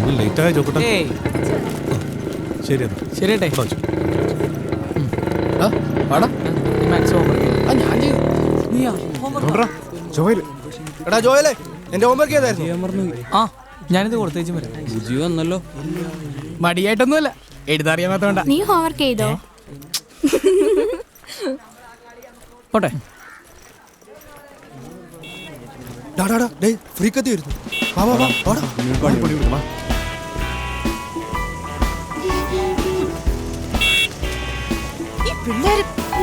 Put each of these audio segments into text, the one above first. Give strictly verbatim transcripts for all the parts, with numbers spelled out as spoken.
Late ആയ ചോക്കട്ടെ. ശരി ശരി ഏട്ടേ. എടാ ജോയലേ, എന്റെ ഹോംവർക്ക് ഏതായിരുന്നു? ആ ഞാനിത് കൊടുത്തേച്ചും വരാം. ബുജി വന്നല്ലോ. മടിയായിട്ടൊന്നുമല്ല, എഴുതാറിയാത്തോണ്ടാ. നീ ഹോംവർക്ക് ചെയ്തോ? പോട്ടെ. ഫ്രീക്കത്തി വരുന്നു. വാ വാ വാ വാടാ. ഈ പിള്ളേര്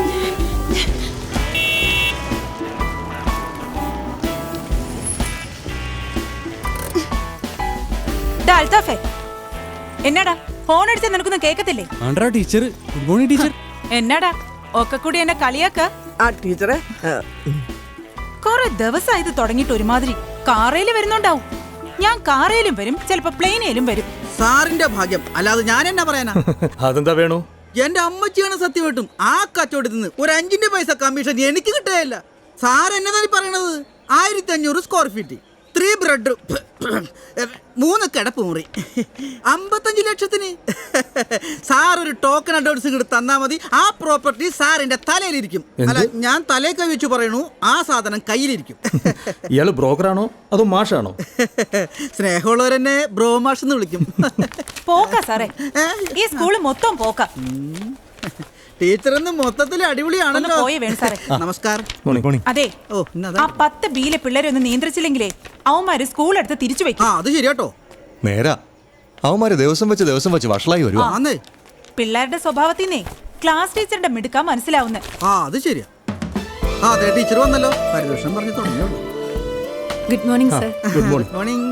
അൽത്താഫേ, എന്നാടാ ഫോൺ അടിച്ചാൽ നിനക്കൊന്നും കേക്കത്തില്ലേ? Teacher, good morning teacher. എന്നാടാ ഒക്കെ കൂടി എന്നെ കളിയാക്ക? ആ ടീച്ചറെ, കൊറേ ദിവസം ഇത് തുടങ്ങിയിട്ട് ഒരുമാതിരി. കാറേല് വരുന്നുണ്ടാവും. ഞാൻ കാറേലും വരും, ചിലപ്പോ പ്ലെയിനേലും വരും. സാറിന്റെ ഭാഗ്യം, അല്ലാതെ ഞാൻ എന്നാ പറയാനാ? അതെന്താ വേണു? എന്റെ അമ്മച്ചിയാണ് സത്യമായിട്ടും ആ കച്ചവടത്തിൽ നിന്ന് ഒരു അഞ്ചിന്റെ പൈസ കമ്മീഷൻ എനിക്ക് കിട്ടുകയില്ല. സാർ എന്നതാണ് പറയണത്? ആയിരത്തി അഞ്ഞൂറ് സ്ക്വയർ ഫീറ്റ്, ത്രീ ബെഡ്റൂം, മൂന്ന് കിടപ്പ് മുറി, അമ്പത്തഞ്ച് ലക്ഷത്തിന്. സാർ ഒരു ടോക്കൺ അഡ്വാൻസ് ഇങ്ങോട്ട് തന്നാ മതി, ആ പ്രോപ്പർട്ടി സാറിന്റെ തലയിലിരിക്കും. അല്ല, ഞാൻ തലയിൽ കൈ വെച്ച് പറയണു, ആ സാധനം കയ്യിലിരിക്കും. ഇയാള് ബ്രോക്കറാണോ അതോ മാഷാണോ? സ്നേഹമുള്ളവരെന്നെ ബ്രോ മാഷ് എന്ന് വിളിക്കും. പോക്കാ സാറേ, ഈ സ്കൂള് മൊത്തം പോക്കാ. ടീച്ചറൊന്ന് മൊത്തത്തിൽ അടിപൊളിയാണല്ലോ. പോയേ വേണം സാറേ. നമസ്കാരം. അതെ, ആ പത്ത് ബിയിലെ പിള്ളേരെ ഒന്ന് നിയന്ത്രിച്ചില്ലെങ്കിലേ അവന്മാര് സ്കൂൾ എടുത്ത് തിരിച്ചു വെക്കും. അത് ശരിയാട്ടോ. നേരാ, അവന്മാര് ദിവസം വെച്ച് ദിവസം വെച്ച് വഷളായി വരുവാ. പിള്ളേരുടെ സ്വഭാവത്തിന്നേ ക്ലാസ് ടീച്ചറുടെ മിടുക്കാ മനസ്സിലാവുന്നേ. ആ അത് ശരിയാ. ആ അതെ, ടീച്ചർ വന്നല്ലോ. പരിദോഷം പറഞ്ഞു തുടങ്ങിയോ? Good morning sir. Good morning. Morning.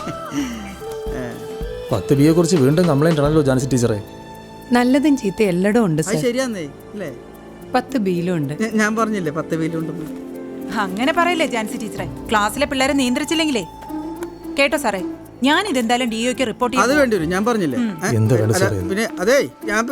പത്ത് ബിയെ കുറിച്ച് വീണ്ടും കംപ്ലൈന്റ് ആണല്ലോ ജാൻസി ടീച്ചറെ. നല്ലതും ചീത്ത എല്ലായിടും ഉണ്ട് സർ. ശരിയാന്നേ അല്ലേ? പത്ത് ബിയിലും ഉണ്ട്. ഞാൻ പറഞ്ഞില്ലേ പത്ത് ബിയിലുണ്ടെന്ന്. അങ്ങനെ പറയില്ലേ ജാൻസി ടീച്ചറെ. ക്ലാസ്സിലെ പിള്ളേരെ നിയന്ത്രിച്ചില്ലെങ്കിലേ. കേട്ടോ സാറേ, ഞാൻ ഇതെന്തായാലും ഡി ഒക്ക് റിപ്പോർട്ട് അത് വേണ്ടി വരും. ഞാൻ പറഞ്ഞില്ലേ. പിന്നെ അതെ, ഞാൻ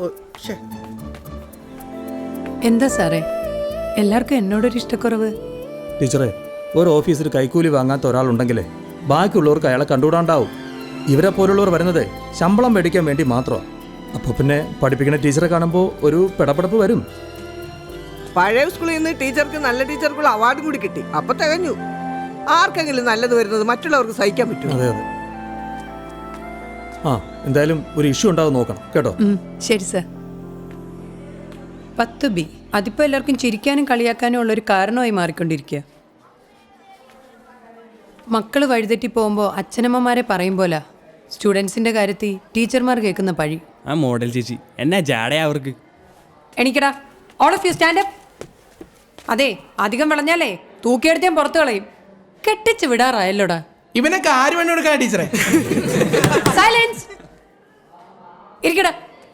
എന്താ സാറേ എല്ലാവർക്കും എന്നോടൊരു ഇഷ്ടക്കുറവ്? ടീച്ചറെ, ഒരു ഓഫീസിൽ കൈക്കൂലി വാങ്ങാത്ത ഒരാളുണ്ടെങ്കിലേ ബാക്കിയുള്ളവർക്ക് അയാളെ കണ്ടുകൂടാണ്ടാവും. ഇവരെ പോലുള്ളവർ വരുന്നത് ശമ്പളം മേടിക്കാൻ വേണ്ടി മാത്രമാണ്. അപ്പോൾ പിന്നെ പഠിപ്പിക്കുന്ന ടീച്ചറെ കാണുമ്പോൾ ഒരു പിടപെടപ്പ് വരും. പഴയ സ്കൂളിൽ നിന്ന് ടീച്ചർക്ക് നല്ല ടീച്ചർക്കുള്ള അവാർഡും കൂടി കിട്ടി. അപ്പൊ തികഞ്ഞു. ആർക്കെങ്കിലും നല്ലത് വരുന്നത് മറ്റുള്ളവർക്ക് സഹിക്കാൻ പറ്റും. അതെ അതെ. ആ എന്തായാലും ഒരു ഇഷ്യൂ ഉണ്ടാവും നോക്കണം കേട്ടോ. ശരി സർ. പത്ത് ബി അതിപ്പോ എല്ലാവർക്കും ചിരിക്കാനും കളിയാക്കാനും ഉള്ളൊരു കാരണമായി മാറിക്കൊണ്ടിരിക്കുക. മക്കള് വഴിതെറ്റി പോകുമ്പോൾ അച്ഛനമ്മമാരെ പറയും പോലെ സ്റ്റുഡൻസിന്റെ കാര്യത്തിൽ ടീച്ചർമാർ കേൾക്കുന്ന പഴി. ആ മോഡൽ ചേച്ചി എന്നാ ജാടയാ അവർക്ക്. എണീക്കടാ, all of you stand up. അതെ, അധികം വിളഞ്ഞാലേ തൂക്കിയെടുത്ത് ഞാൻ പുറത്തു കളയും. കെട്ടിച്ച് വിടാറായല്ലോടാ. ഇവനൊക്കെ ആര് വേണ്ടി കൊടുക്കാ ടീച്ചറെ? സൈലൻസ്. ഇരിക്കടാ.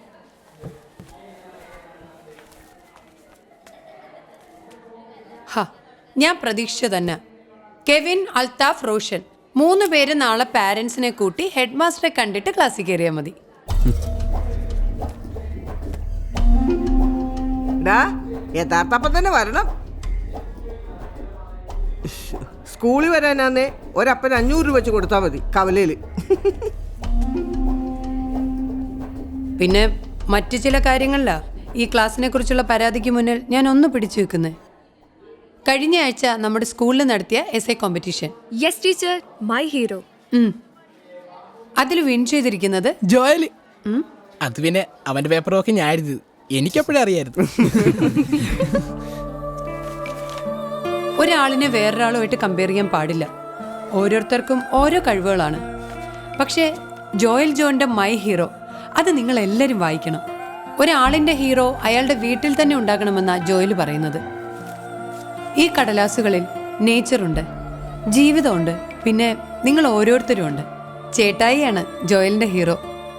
ഹാ, ഞാൻ പ്രതീക്ഷിച്ച തന്നെ. കെവിൻ, അൽത്താഫ്, റോഷൻ മൂന്ന് പേര് നാളെ പാരന്റ്സിനെ കൂട്ടി ഹെഡ് മാസ്റ്ററെ കണ്ടിട്ട് ക്ലാസ്സിൽ കയറിയാൽ മതി. യഥാർത്ഥപ്പം തന്നെ വരണം. സ്കൂളിൽ വരാനാന്നേ ഒരപ്പൻ അഞ്ഞൂറ് രൂപ വെച്ച് കൊടുത്താൽ മതി കവലയില്. പിന്നെ മറ്റു ചില കാര്യങ്ങളിലാ ഈ ക്ലാസ്സിനെ കുറിച്ചുള്ള പരാതിക്ക് മുന്നിൽ ഞാൻ ഒന്ന് പിടിച്ചു വെക്കുന്നത്. കഴിഞ്ഞ ആഴ്ച നമ്മുടെ സ്കൂളിൽ നടത്തിയ S A competition. Yes teacher, my hero. അതിൽ വിൻ ചെയ്തിരിക്കുന്നത് ജോയൽ. അത് പിന്നെ അവന്റെ പേപ്പറൊക്കെ ഞാൻ എഴുതി, എനിക്കെപ്പോഴും അറിയായിരുന്നു. ഒരാളിനെ വേറൊരാളുമായിട്ട് കമ്പയർ ചെയ്യാൻ പാടില്ല. ഓരോരുത്തർക്കും ഓരോ കഴിവുകളാണ്. പക്ഷേ ജോയൽ ജോന്റെ മൈ ഹീറോ അത് നിങ്ങൾ എല്ലാവരും വായിക്കണം. ഒരാളിന്റെ ഹീറോ അയാളുടെ വീട്ടിൽ തന്നെ ഉണ്ടാകണമെന്നാണ് ജോയൽ പറയുന്നത്. ഈ കടലാസുകളിൽ നേച്ചറുണ്ട്, ജീവിതമുണ്ട്, പിന്നെ നിങ്ങൾ ഓരോരുത്തരും ഉണ്ട്. ചേട്ടായിയാണ് ജോയലിന്റെ ഹീറോ.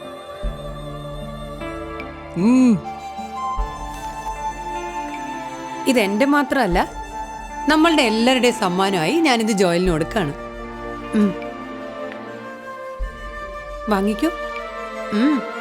ഇതെന്റെ മാത്രമല്ല, നമ്മളുടെ എല്ലാവരുടെയും സമ്മാനമായി ഞാനിത് ജോയലിന് കൊടുക്കാണ്. വാങ്ങിക്കൂ.